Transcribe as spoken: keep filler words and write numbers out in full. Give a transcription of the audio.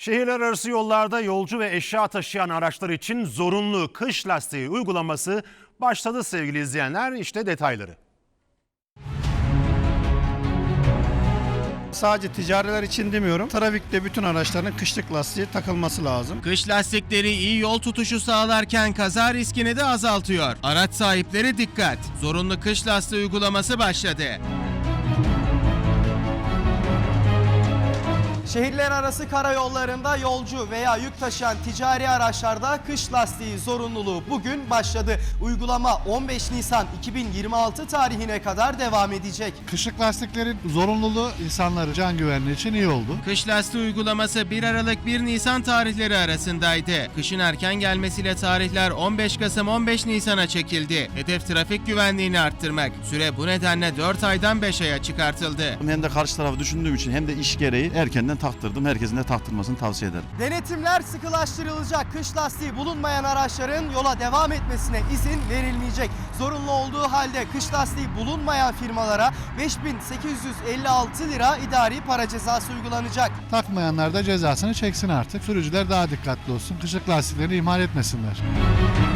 Şehirler arası yollarda yolcu ve eşya taşıyan araçlar için zorunlu kış lastiği uygulaması başladı sevgili izleyenler. İşte detayları. Sadece ticariler için demiyorum. Trafikte bütün araçların kışlık lastiği takılması lazım. Kış lastikleri iyi yol tutuşu sağlarken kaza riskini de azaltıyor. Araç sahipleri dikkat! Zorunlu kış lastiği uygulaması başladı. Şehirler arası karayollarında yolcu veya yük taşıyan ticari araçlarda kış lastiği zorunluluğu bugün başladı. Uygulama on beş Nisan iki bin yirmi altı tarihine kadar devam edecek. Kışlık lastiklerin zorunluluğu insanların can güvenliği için iyi oldu. Kış lastiği uygulaması bir Aralık bir Nisan tarihleri arasındaydı. Kışın erken gelmesiyle tarihler on beş Kasım on beş Nisan'a çekildi. Hedef trafik güvenliğini arttırmak. Süre bu nedenle dört aydan beş aya çıkartıldı. Hem de karşı tarafı düşündüğüm için hem de iş gereği erkenden taktırdım. Herkesin de taktırmasını tavsiye ederim. Denetimler sıkılaştırılacak. Kış lastiği bulunmayan araçların yola devam etmesine izin verilmeyecek. Zorunlu olduğu halde kış lastiği bulunmayan firmalara beş bin sekiz yüz elli altı lira idari para cezası uygulanacak. Takmayanlar da cezasını çeksin artık. Sürücüler daha dikkatli olsun. Kışlık lastiklerini ihmal etmesinler.